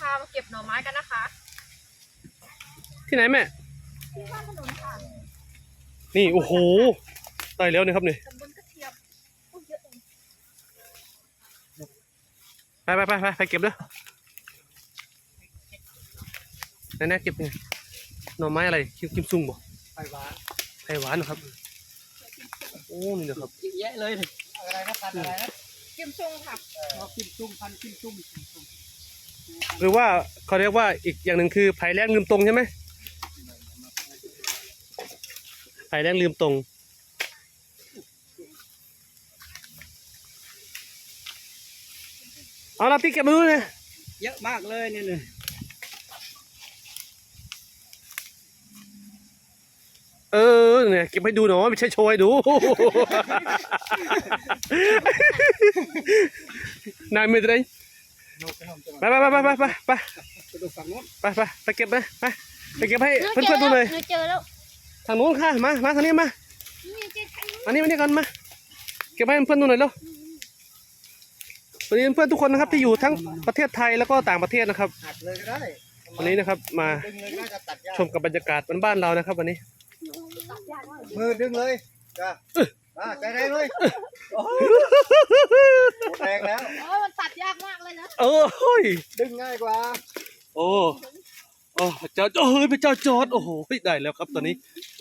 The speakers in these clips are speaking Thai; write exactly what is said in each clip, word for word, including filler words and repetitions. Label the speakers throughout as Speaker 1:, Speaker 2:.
Speaker 1: ามาเก็บหน่อไม้กันนะคะ
Speaker 2: ที่ไหนแม่
Speaker 1: ที่บ้านถนนค่ะ
Speaker 2: นี่โอ้โหได้แล้วนะครับนี่
Speaker 1: ตำบลกระเทียมเยอะเอง
Speaker 2: ไปไปไปไปไปเก็บเลยแน่ๆเก็บไงหน่อไม้อะไรคิมคิมซุงบ่
Speaker 3: ไผ่หวาน
Speaker 2: ไผ่หวานนะครับโอ้นี่นะครับ
Speaker 3: เยอะแยะเลยอะไรนะพันอะไรนะ
Speaker 1: กิมซุงค่ะ
Speaker 3: เรากิมซุงพันกิมซุง
Speaker 2: หรือว่าเขาเรียกว่าอีกอย่างหนึ่งคือไผ่แรงลืมตรงใช่ไหมไผ่แรงลืมตรงเอาละพี่เก็บมาดูเลย
Speaker 3: เยอะมากเลยนี่เลย
Speaker 2: เออเนี่ยเก็บให้ดูหน่อยไม่ใช่โชว์ให้ดูนายไม่ได้ไปไปไปไปไปไปไปไปไปไปเก็บไปไปไปเก็บให้เพื่อนๆดูเลย
Speaker 1: เจอแล้ว
Speaker 2: ทางนู้นค่ะมามาทางนี้มาอันนี้มานี่กันมาเก็บให้เพื่อนๆดูหน่อยแล้ววันนี้เพื่อนทุกคนนะครับที่อยู่ทั้งประเทศไทยแล้วก็ต่างประเทศนะครับวันนี้นะครับมาชมกับบรรยากาศบ้านๆเรานะครับวันนี้
Speaker 3: มือดึงเลยจ้าอ่าใจแรงเลยแรงแล้ว
Speaker 1: โอ้มันตัดยากมากเลยนะ
Speaker 2: เออเฮ้ย
Speaker 3: ดึงง่ายกว่า
Speaker 2: โอ้โอ้เจ้าเฮ้ยเป็นเจ้าจอดโอ้โหได้แล้วครับตอนนี้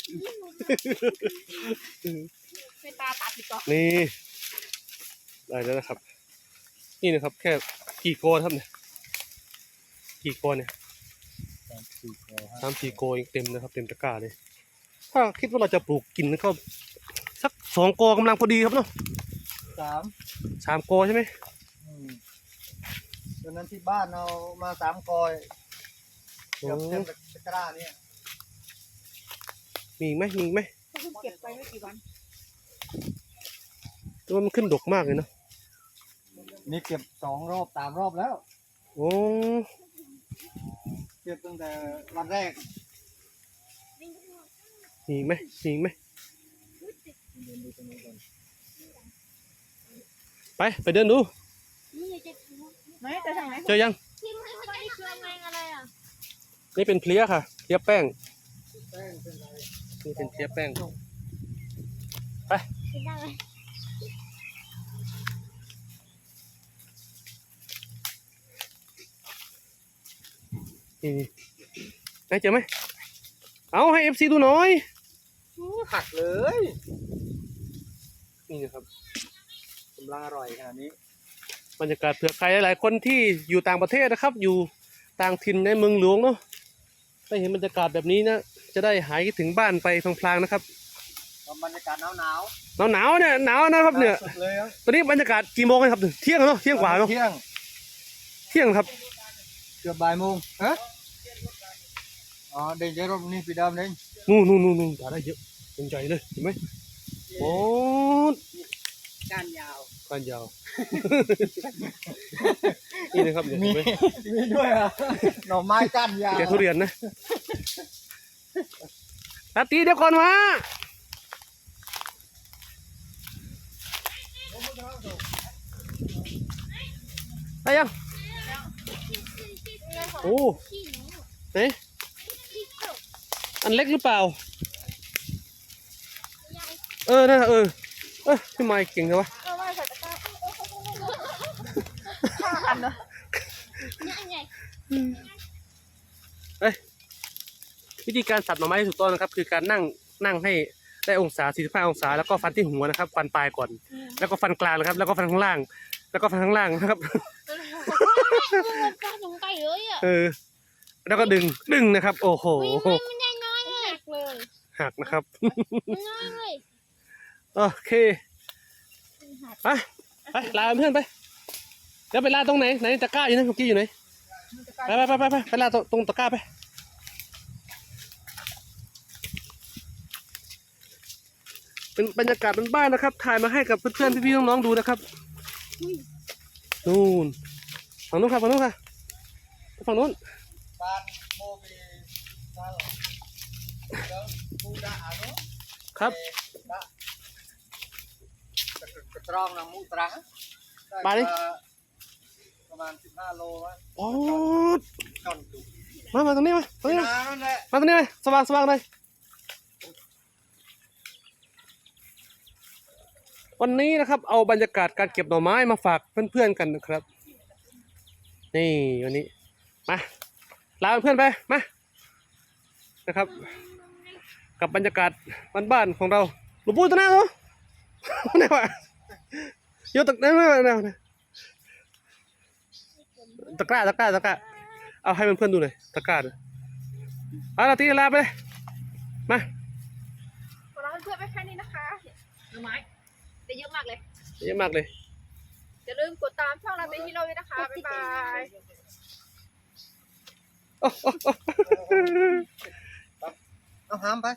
Speaker 1: เป็นตาตัดอีกต่อ
Speaker 2: นี่ได้แล้วนะครับนี่นะครับแค่กี่โกครับเนี่ยกี่โกเนี่ยสามสี่โกยังเต็มนะครับเต็มตะกร้าเลยถ้าคิดว่าเราจะปลูกกินก็สักสองโกกำลังพอดีครับเนาะ
Speaker 3: สาม
Speaker 2: สามโกใช่ไหม
Speaker 3: ตอนนั้นที่บ้านเรามาสามกอยเกือบเต็มตะกร้าเนี่ย
Speaker 2: มีไหมมีไหม
Speaker 1: เก็บไปไม่กี่วัน
Speaker 2: แต่ว่ามันขึ้นดกมากเลยเนาะ
Speaker 3: นี่เก็บสองรอบสามรอบแล้ว
Speaker 2: โอ้
Speaker 3: เก็บตั้งแต่วันแรก
Speaker 2: มีไหมมีไหมไปไปเดินดูเจอยังนี่เป็นเพลี้ยค่ะเพลี้ยแป้งนี่เป็นเพลี้ยแป้งไปนี่ไหนเจอไหมเอาให้เอฟซีดูหน่อย
Speaker 3: หักเลย
Speaker 2: นี่นะครับ
Speaker 3: กำลังอร่อยขนาดนี้
Speaker 2: บรรยากาศเผื่อใครหลายๆคนที่อยู่ต่างประเทศนะครับอยู่ต่างถิ่นในเมืองหลวงเนาะได้เห็นบรรยากาศแบบนี้นะจะได้หายคิดถึงบ้านไปพลางๆนะครับ
Speaker 3: บรรยากาศหนาวหนาว
Speaker 2: หนาวหนาวเนี่ยหนาวนะครับเนี่ยตอนนี้บรรยากาศกี่โมงครับเที่ยงเนาะเที่ยงกว่าเนาะ
Speaker 3: เที่ยง
Speaker 2: เที่ยงครับ
Speaker 3: เกือบบ่ายโมงฮะอ๋อเด็กเยอะรอบนี้ปีดำเด้ง
Speaker 2: นู่นนู่นนู่นนู่นได้เยอะเป็นใจเลยเห็นไหมโอ้
Speaker 3: ก้านยาว
Speaker 2: ก้านยาวนี่นะครับเห็นไหม
Speaker 3: มีด้วยอ่ะหน่อไม้ก้านยาว
Speaker 2: แกทุเรียนนะตาตีเดี๋ยวก่อนมาได้ยังโอ้ไหนอันเล็กหรือเปล่าเออนะเออเออพี่ไมค์เก่งเลยวะเอ้ยวิธีการสับหน่อไม้ที่ถูกต้องนะครับคือการนั่งนั่งให้ได้องศาสี่สิบห้าองศาแล้วก็ฟันที่หัวนะครับฟันปลายก่อนแล้วก็ฟันกลางนะครับแล้วก็ฟันข้างล่างแล้วก็ฟันข้างล่างนะครับเออแล้วก็ดึงดึงนะครับโอ้โหหักนะครับโอเคไปไปลาเพื่อนไปแล้วไปลาตรงไหนไหนตะกร้าอยู่นะเมื่อกี้อยู่ไหนไปไปไปไปไปลาตรงตะกร้าไปเป็นบรรยากาศบ้านๆนะครับถ่ายมาให้กับเพื่อนๆพี่ๆน้องๆดูนะครับนู่นฝั่งนู้นครับฝั่งนู้นค่ะฝั่งนู้น
Speaker 3: บ้านโมบี
Speaker 2: ครับ
Speaker 3: กระตรองน้ำมูตรัง
Speaker 2: ไปดิ
Speaker 3: ประมาณสิบห้าโลวะ
Speaker 2: โอ้
Speaker 3: ช่อนดู
Speaker 2: มามาตรงนี้มาตรงนี้มา
Speaker 3: นั่นแหละ
Speaker 2: มาตรงนี้เลยสว่างสว่างเลยวันนี้นะครับเอาบรรยากาศการเก็บหน่อไม้มาฝากเพื่อนๆกันนะครับนี่วันนี้มาลาเพื่อนๆไปมานะครับกับบรรยากาศบ้านๆของเราหลวงปู่ตัวหน้าเหรอไหนวะโยตะไหนวะไหนวะตะกร้าตะกร้าตะกร้าเอาให้เพื่อนๆดูหน่อยตะกร้าดูเอาละตีลาไปเลยมา
Speaker 1: ขอลาเพื่อนๆไปแค่นี้นะคะหน่อไม้ได้เยอะมากเลย
Speaker 2: เยอะมากเลย
Speaker 1: อย่าลืมกดตามช่องเราเป็นฮีโร่ด้วยนะคะ บ๊ายบาย
Speaker 2: โอ้โอ้โอ้
Speaker 3: เอาหามไป